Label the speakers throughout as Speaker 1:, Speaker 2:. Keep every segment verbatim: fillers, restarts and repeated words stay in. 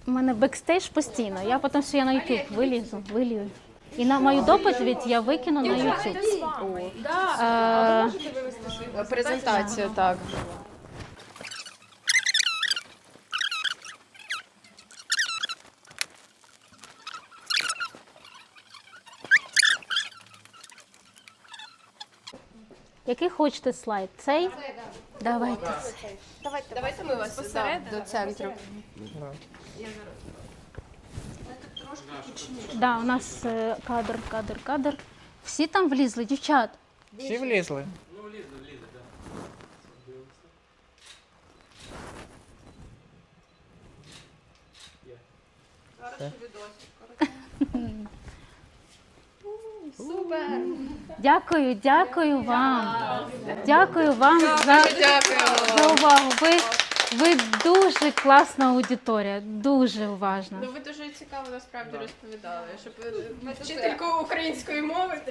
Speaker 1: У мене бекстейдж постійно. Я потім все я на YouTube вилізу, вилію. І на мою доповідь я викину на YouTube. Е,
Speaker 2: Презентацію, так.
Speaker 1: Який хочете слайд? Цей? Давайте цей.
Speaker 2: Давайте, Давайте ми вас да, до центру.
Speaker 1: Да, у нас е, кадр, кадр, кадр. Всі там влізли, дівчат?
Speaker 3: Всі влізли?
Speaker 2: Супер!
Speaker 1: Дякую, дякую вам. Дякую вам за, за увагу. Ви, ви дуже класна аудиторія, дуже уважна.
Speaker 2: Ну ви дуже цікаво насправді розповідали, щоб вчительку української мови.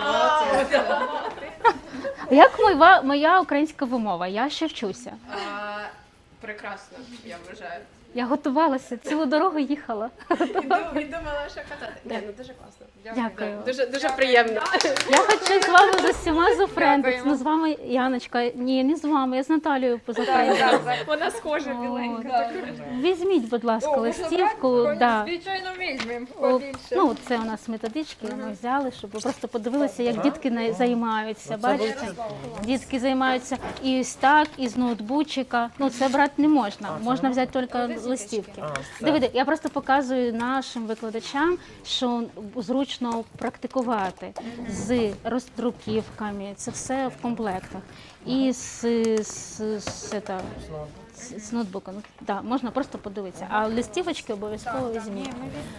Speaker 1: Як моя, моя українська вимова? Я ще вчуся.
Speaker 2: А, прекрасно, я вважаю.
Speaker 1: Я готувалася, цілу дорогу їхала.
Speaker 2: І дум- і думала, що казати. Ні, ну дуже класно.
Speaker 1: Дякую.
Speaker 2: Дуже, дуже приємно.
Speaker 1: Я хочу з вами з усіма зафрендитися.
Speaker 2: Дякуємо.
Speaker 1: Ну, з вами, Яночка, ні, не з вами, я з Наталією позафрендилася.
Speaker 4: Вона схожа біленька.
Speaker 1: Візьміть, будь ласка, листівку. Да.
Speaker 4: Звичайно, візьмемо
Speaker 1: О,
Speaker 4: побільше.
Speaker 1: ну, це у нас методички, ми взяли, щоб ви просто подивилися, як дітки на- займаються. Бачите? Дітки займаються і ось так, і з ноутбучика. Ну, це брати не можна, можна взяти тільки листівки. Дивіться, я просто показую нашим викладачам, що зручно практикувати з роздруківками, це все в комплектах. І з, з, з, це, з, з ноутбуком. Да, можна просто подивитися, а листівочки обов'язково візьміть.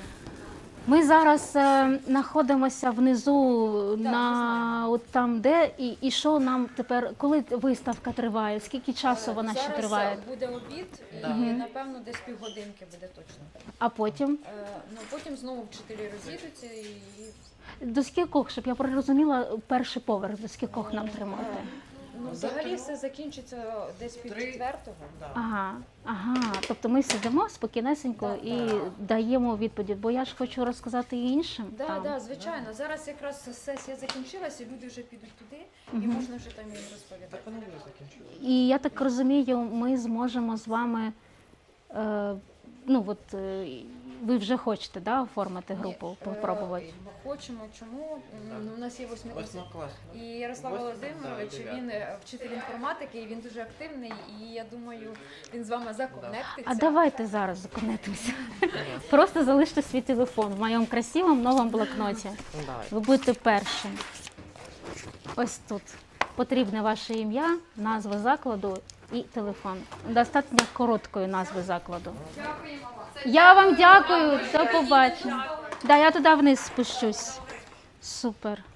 Speaker 1: Ми зараз е, знаходимося внизу, на от там, де, і, і що нам тепер, коли виставка триває, скільки часу вона ще
Speaker 4: Зараз
Speaker 1: триває?
Speaker 4: буде обід, і напевно десь півгодинки буде точно.
Speaker 1: А потім?
Speaker 4: Е, Ну потім знову вчителі розійдуться і
Speaker 1: До скількох, щоб я розуміла, перший поверх, до скількох нам тримати?
Speaker 4: ну, взагалі все закінчиться десь пів четвертого.
Speaker 1: Ага, ага. Тобто ми сидимо спокійнесенько і даємо відповіді, бо я ж хочу розказати і іншим.
Speaker 4: Так,
Speaker 1: там.
Speaker 4: да, звичайно. Зараз якраз сесія закінчилася, люди вже підуть туди, і можна вже там їм розповідати.
Speaker 1: І я так розумію, ми зможемо з вами, е, ну от е, ви вже хочете, да, оформити групу, попробувати?
Speaker 4: Е, Ми хочемо, чому? Ну, у нас є восьмикласник. І Ярослав Володимирович, він е, вчитель інформатики, і він дуже активний, і я думаю, він з вами законектиться.
Speaker 1: А давайте зараз законетимося. Просто залиште свій телефон в моєму красивому новому блокноті. Ви будете першим. Ось тут. Потрібне ваше ім'я, назва закладу і телефон. Достатньо короткої назви закладу. Я вам дякую. До побачення. Да, я туди вниз спущусь. Супер.